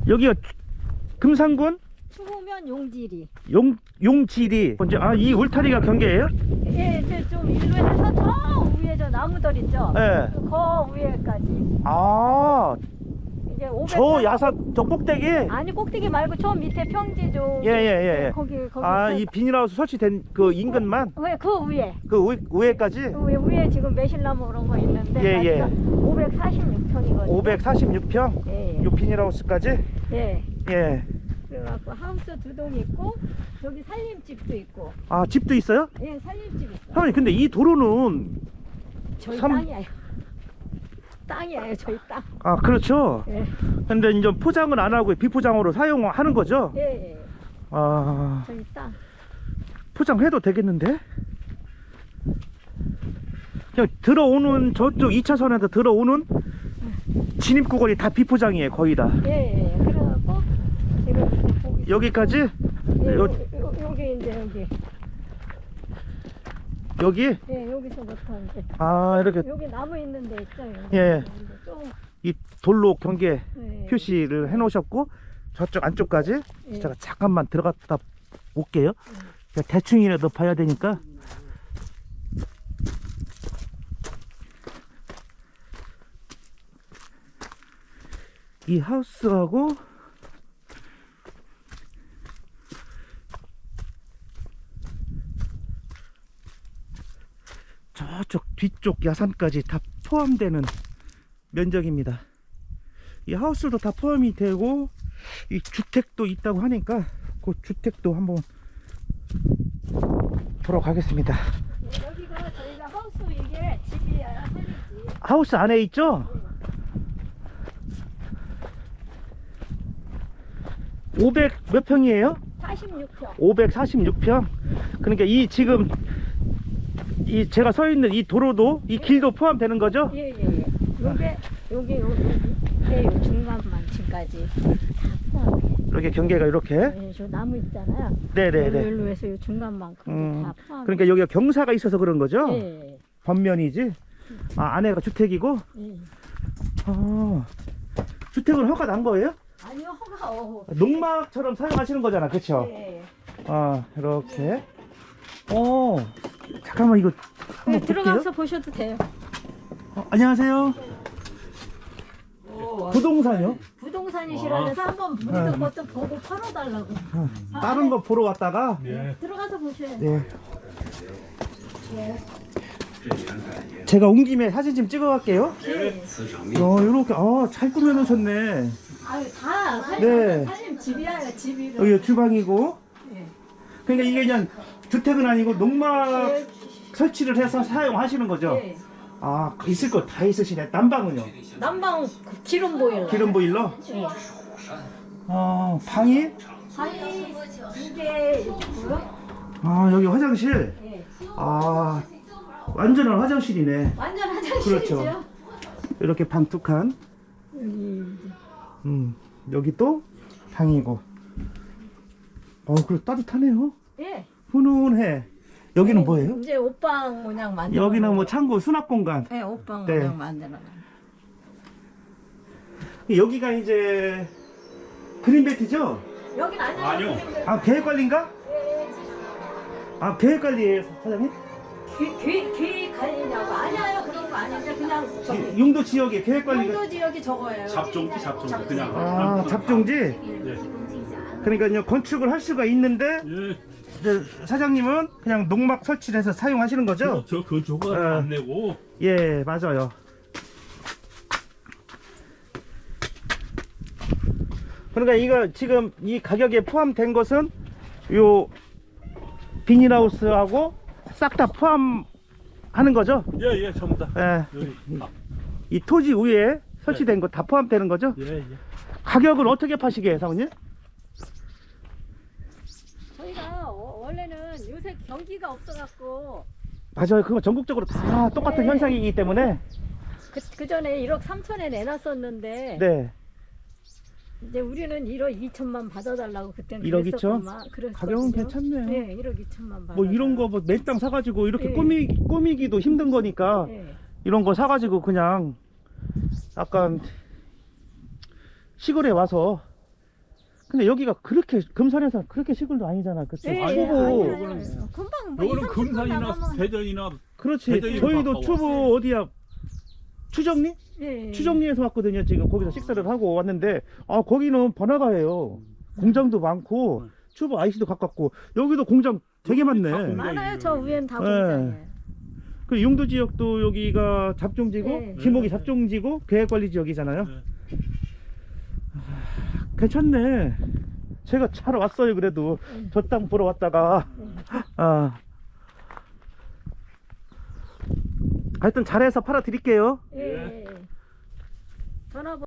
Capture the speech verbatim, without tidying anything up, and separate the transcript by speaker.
Speaker 1: 여기가 금산군
Speaker 2: 추후면 용지리.
Speaker 1: 용 용지리. 먼저 아 이 울타리가 경계예요?
Speaker 2: 예, 이제 좀 일로 해서 저 위에 저 나무들 있죠.
Speaker 1: 네.
Speaker 2: 그 위에까지.
Speaker 1: 아,
Speaker 2: 이제 오백.
Speaker 1: 저 야산 저 꼭대기.
Speaker 2: 아니 꼭대기 말고 저 밑에 평지 좀.
Speaker 1: 예, 예, 예, 예.
Speaker 2: 거기 거기.
Speaker 1: 아,
Speaker 2: 그-
Speaker 1: 이 비닐하우스 설치된 그 인근만
Speaker 2: 왜 그 위에.
Speaker 1: 그 위, 위에까지
Speaker 2: 그 위에, 위에 지금 매실나무 그런 거 있는데.
Speaker 1: 예, 예.
Speaker 2: 오백사십육 평이거든요.
Speaker 1: 오백사십육 평.
Speaker 2: 예.
Speaker 1: 요 비닐하우스까지.
Speaker 2: 예.
Speaker 1: 예.
Speaker 2: 그래갖고 하우스 두 동 있고 저기 살림집도 있고.
Speaker 1: 아, 집도 있어요?
Speaker 2: 예, 살림집 있어.
Speaker 1: 사모님, 근데 이 도로는
Speaker 2: 저희
Speaker 1: 삼-
Speaker 2: 땅이에요. 땅이에요, 저희 땅.
Speaker 1: 아, 그렇죠.
Speaker 2: 예.
Speaker 1: 근데 이제 포장은 안 하고 비포장으로 사용하는 거죠?
Speaker 2: 예, 예.
Speaker 1: 아,
Speaker 2: 저희 땅.
Speaker 1: 포장해도 되겠는데? 그냥 들어오는 저쪽 이 차선에서 들어오는 진입 구간이 다 비포장이에요, 거의 다.
Speaker 2: 예, 예. 그래갖고 지금 이제 거기
Speaker 1: 여기까지?
Speaker 2: 예,
Speaker 1: 요-
Speaker 2: 요, 요, 여기 이제 여기.
Speaker 1: 여기?
Speaker 2: 예, 여기서부터 이제
Speaker 1: 아, 이렇게
Speaker 2: 여기 나무 있는 데 있죠. 여기.
Speaker 1: 예.
Speaker 2: 좀
Speaker 1: 이 돌로 경계
Speaker 2: 예,
Speaker 1: 표시를 해 놓으셨고 저쪽 안쪽까지
Speaker 2: 예.
Speaker 1: 제가 잠깐만 들어갔다 올게요. 그냥 대충이라도 봐야 되니까. 이 하우스하고 저쪽 뒤쪽 야산까지 다 포함되는 면적입니다. 이 하우스도 다 포함이 되고 이 주택도 있다고 하니까 그 주택도 한번 보러 가겠습니다.
Speaker 2: 예, 여기가 저희가 하우스 이게 집이야, 살림집.
Speaker 1: 하우스 안에 있죠? 오백 몇 평이에요?
Speaker 2: 사십육 평.
Speaker 1: 오백사십육 평. 그러니까 이 지금 이 제가 서 있는 이 도로도 이 길도 포함되는 거죠?
Speaker 2: 예, 예, 예. 요게 요게 요 밑에 요 중간만 지금까지 다 포함해.
Speaker 1: 이렇게 경계가 이렇게.
Speaker 2: 예, 저 나무 있잖아요.
Speaker 1: 네네네.
Speaker 2: 여기로 해서 요 중간만큼
Speaker 1: 음,
Speaker 2: 다 포함.
Speaker 1: 그러니까 여기가 경사가 있어서 그런 거죠?
Speaker 2: 예, 예,
Speaker 1: 번면이지. 아, 안에가 주택이고.
Speaker 2: 예.
Speaker 1: 아, 주택은 허가 난 거예요?
Speaker 2: 아니요, 허가 어.
Speaker 1: 농막처럼 사용하시는 거잖아, 그쵸?
Speaker 2: 예.
Speaker 1: 아, 이렇게. 어, 잠깐만 이거 한번
Speaker 2: 네,
Speaker 1: 볼게요.
Speaker 2: 들어가서 보셔도 돼요.
Speaker 1: 어, 안녕하세요. 부동산이요?
Speaker 2: 부동산이시라서 한번 우리도
Speaker 1: 네.
Speaker 2: 그것도 보고 팔아달라고.
Speaker 1: 어, 다른 거 보러 왔다가.
Speaker 2: 네. 들어가서 보셔야 돼요.
Speaker 1: 네. 제가 온 김에 사진 좀 찍어 갈게요.
Speaker 2: 네.
Speaker 1: 어, 이렇게, 아, 잘 꾸며 놓으셨네.
Speaker 2: 아유, 다 살림,
Speaker 1: 네.
Speaker 2: 살림 집이야, 집이.
Speaker 1: 여기 주방이고.
Speaker 2: 네.
Speaker 1: 그러니까 이게 그냥 주택은 아니고 농막
Speaker 2: 예.
Speaker 1: 설치를 해서 사용하시는 거죠?
Speaker 2: 예.
Speaker 1: 아, 있을 거 다 있으시네. 난방은요?
Speaker 2: 난방 그 기름 보일러.
Speaker 1: 기름 보일러?
Speaker 2: 예.
Speaker 1: 어, 방이?
Speaker 2: 방이 두개 있고요.
Speaker 1: 아, 여기 화장실?
Speaker 2: 예.
Speaker 1: 아, 완전한 화장실이네.
Speaker 2: 완전 화장실이죠.
Speaker 1: 그렇죠. 이렇게 방 두 칸.
Speaker 2: 여기
Speaker 1: 음, 여기 또 방이고. 어, 그래 따뜻하네요.
Speaker 2: 예.
Speaker 1: 훈훈해. 여기는 뭐예요?
Speaker 2: 이제 옷방 모양 만들어.
Speaker 1: 여기는 뭐 창고 수납 공간.
Speaker 2: 예, 옷방
Speaker 1: 네.
Speaker 2: 모양 만들어.
Speaker 1: 여기가 이제 그린벨트죠?
Speaker 2: 여긴 아니요.
Speaker 3: 아니요.
Speaker 1: 아, 계획관리인가?
Speaker 2: 예.
Speaker 1: 아, 계획관리예요, 사장님?
Speaker 2: 귀, 귀 관리냐고. 아니에요. 그런 거 아닌데 그냥 저기.
Speaker 1: 용도 지역에 계획관리가.
Speaker 2: 용도 지역이 저거예요.
Speaker 3: 잡종지 잡종지 그냥.
Speaker 1: 아, 잡종지?
Speaker 3: 예.
Speaker 1: 그러니까 건축을 할 수가 있는데
Speaker 3: 예.
Speaker 1: 이제 사장님은 그냥 농막 설치를 해서 사용하시는 거죠?
Speaker 3: 저 건조가
Speaker 1: 어.
Speaker 3: 안 내고.
Speaker 1: 예, 맞아요. 그러니까 이거 지금 이 가격에 포함된 것은 요 비닐하우스하고 싹 다 포함하는 거죠?
Speaker 3: 예예 전부 다.
Speaker 1: 예.
Speaker 3: 여기. 아,
Speaker 1: 이 토지 위에 설치된 거 다 포함되는 거죠?
Speaker 3: 예 예.
Speaker 1: 가격을 어떻게 파시게요, 사모님?
Speaker 2: 저희가 어, 원래는 요새 경기가 없어갖고
Speaker 1: 맞아요. 그거 전국적으로 다 똑같은
Speaker 2: 네.
Speaker 1: 현상이기 때문에.
Speaker 2: 그, 그 전에 일억 삼천에 내놨었는데
Speaker 1: 네.
Speaker 2: 이제 우리는 일억 이천만 받아달라고 그때는
Speaker 1: 일억 이천?
Speaker 2: 그랬었구만. 그랬었거든요.
Speaker 1: 가격은 괜찮네요.
Speaker 2: 네, 일억 이천만 받아.
Speaker 1: 뭐 이런 거 뭐 맨땅 사가지고 이렇게
Speaker 2: 네.
Speaker 1: 꾸미, 꾸미기도 힘든 거니까
Speaker 2: 네.
Speaker 1: 이런 거 사가지고 그냥 약간 시골에 와서 근데 여기가 그렇게 금산에서 그렇게 시골도 아니잖아. 그치?
Speaker 2: 네,
Speaker 1: 추보.
Speaker 2: 아니,
Speaker 3: 요거는-
Speaker 2: 아니, 아니. 금방 뭐
Speaker 3: 요거는
Speaker 2: 이삼, 삼십 분
Speaker 3: 금산이나
Speaker 2: 나가면-
Speaker 3: 대전이나
Speaker 1: 그렇지.
Speaker 3: 대전이
Speaker 1: 저희도
Speaker 3: 가까워.
Speaker 1: 추보 어디야? 추정리?
Speaker 2: 예, 예.
Speaker 1: 추정리에서 왔거든요. 지금 거기서 식사를 하고 왔는데 아 거기는 번화가예요. 공장도 많고
Speaker 3: 음.
Speaker 1: 추보 아이씨도 가깝고 여기도 공장 되게
Speaker 3: 다
Speaker 1: 많네.
Speaker 3: 공장.
Speaker 2: 많아요. 저 위엔 다
Speaker 1: 네.
Speaker 2: 공장이에요.
Speaker 1: 그 용도 지역도 여기가 잡종지고
Speaker 2: 네.
Speaker 1: 기목이
Speaker 3: 네.
Speaker 1: 잡종지고 계획관리 지역이잖아요.
Speaker 3: 네.
Speaker 1: 괜찮네. 제가 잘 왔어요. 그래도
Speaker 2: 네.
Speaker 1: 저 땅 보러 왔다가 아 하여튼 잘해서 팔아 드릴게요.
Speaker 2: 예, 예, 예. 전화번호